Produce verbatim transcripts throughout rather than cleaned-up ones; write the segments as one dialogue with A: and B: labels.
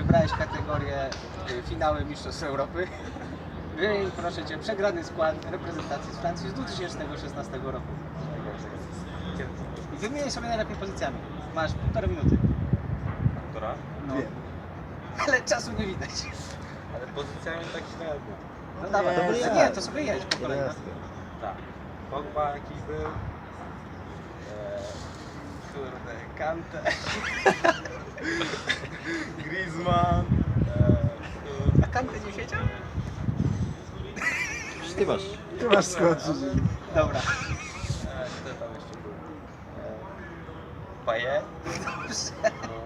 A: wybrałeś kategorię y, finały Mistrzostw Europy. Wymień, proszę Cię, przegrany skład reprezentacji z Francji z dwa tysiące szesnastego roku. I wymieniaj sobie najlepiej pozycjami. Masz półtorej minuty.
B: Która?
A: No. Ale czasu nie widać.
B: Ale pozycjami tak średnio.
A: No dawaj,
C: Dobry
A: to
C: jest.
A: nie, to sobie jedź po kolei. no.
B: Tak. Pogba jakiś był. Eee, kurde, Kante. Griezmann. Eee,
A: A Kante nie siedział?
C: Ty masz.
D: Ty masz skład.
A: Dobra.
B: eee, kto tam jeszcze był? Eee, Payet. No.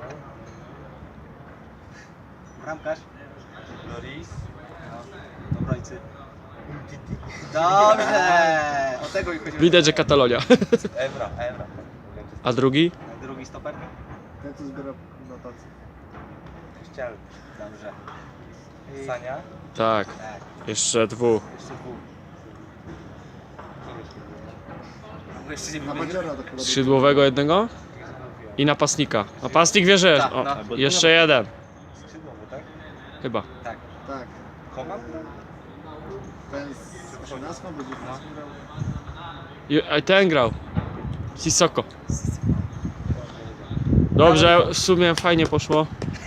A: Bramkarz.
B: Loris.
A: No, obrońcy. Dobrze! O tego ich chodziło.
E: Widać, że Katalonia.
B: Evra, Evra.
E: A drugi?
A: Drugi stoper.
D: Ten co zbiera notacje.
B: Ściel.
A: Dobrze. I-
B: Sania.
E: Tak.
A: Tak,
E: Jeszcze dwóch.
A: jeszcze dwóch.
B: Kogoś nie było.
A: Bo jeszcze nie
D: Na
A: wymienił.
D: Badziora to chyba.
E: Skrzydłowego jednego i napastnika. Napastnik wie, że jest.
A: Tak,
E: O,
A: no.
E: jeszcze jeden.
B: Skrzydłowy, tak?
E: Chyba.
A: Tak.
D: Tak.
B: Koman?
D: Ten z osiemnastką będzie grał.
E: I- A ten grał. Sissoko. Dobrze, w sumie fajnie poszło.